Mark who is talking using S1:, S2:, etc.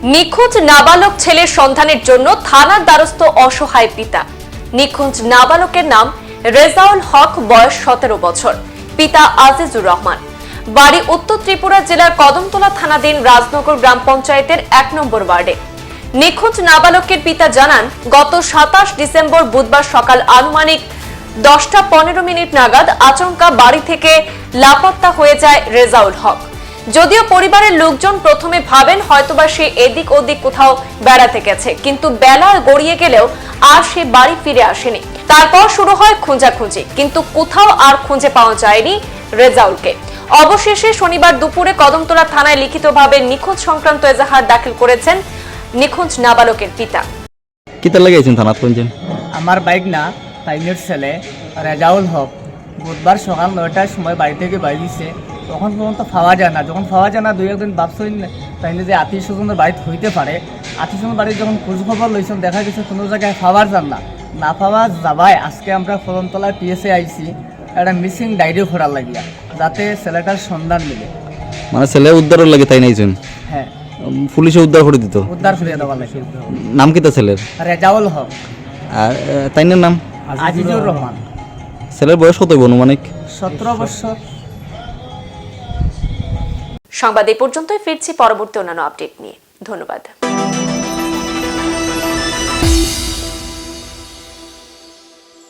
S1: নিখোঁজ নাবালক ছেলের সন্ধানের জন্য থানার দ্বারস্থ অসহায় পিতা। নিখোঁজ নাবালকের নাম রেজাউল হক, বয়স 17 বছর, পিতা আজিজুর রহমান, বাড়ি উত্তর ত্রিপুরা জেলার কদমতলা থানাধীন রাজনগর গ্রাম পঞ্চায়েতের 1 নম্বর ওয়ার্ডে। নিখোঁজ নাবালকের পিতা জানান, গত 27 ডিসেম্বর বুধবার সকাল আনুমানিক 10টা 15 মিনিট নাগাদ আচমকা বাড়ি থেকে লাপত্তা হয়ে যায় রেজাউল হক। যদিও পরিবারের লোকজন প্রথমে ভাবেন হয়তোবা সে এদিক ওদিক কোথাও বেড়াতে গেছে, কিন্তু বেলা গড়িয়ে গেলেও আর সে বাড়ি ফিরে আসেনি। তারপর শুরু হয় খোঁজাখুঁজি, কিন্তু কোথাও আর খুঁজে পাওয়া যায়নি রেজাউলকে। অবশেষে শনিবার দুপুরে কদমতলা থানায় লিখিতভাবে নিখোঁজ সংক্রান্ত এজাহার দাখিল করেছেন নিখোঁজ নাবালকের পিতা।
S2: কিতা লাগাইছেন থানাত কোনজন?
S3: আমার বাইক না তাইনের ছেলে রেজাউল হক বুধবার সকাল 9টার সময় বাড়ি থেকে বাইরেছে। তখন পর্যন্ত পাওয়া যায় না। যখন পাওয়া যায় না, দুই একদিন ভাবছেন তাইলে যে আত্মীয় স্বজনের বাড়িতে হইতে পারে। আত্মীয় স্বজনের বাড়িতে যখন খোঁজখবর লইছেন, দেখা গেছে কোনো জায়গায় পাওয়ার যান না পাওয়া যাবায় আজকে আমরা ফলনতলায় পিএসএ আইছি একটা মিসিং ডায়েরি করার লাগিয়া, যাতে ছেলেটার সন্ধান মিলে।
S2: মানে ছেলে উদ্ধারের লাগে তাই নাইছেন?
S3: হ্যাঁ,
S2: পুলিশে উদ্ধার করে দিত।
S3: উদ্ধার করিয়া দেওয়ার লাগে।
S2: নাম কিতা ছেলের?
S3: রেজাউল হক।
S2: আর তাইনের নাম
S3: আজিজুর রহমান।
S2: ছেলের বয়স কত অনুমানিক?
S3: 17 বছর।
S1: সংবাদ এই পর্যন্তই, ফিরছি পরবর্তী অন্যান্য আপডেট নিয়ে। ধন্যবাদ।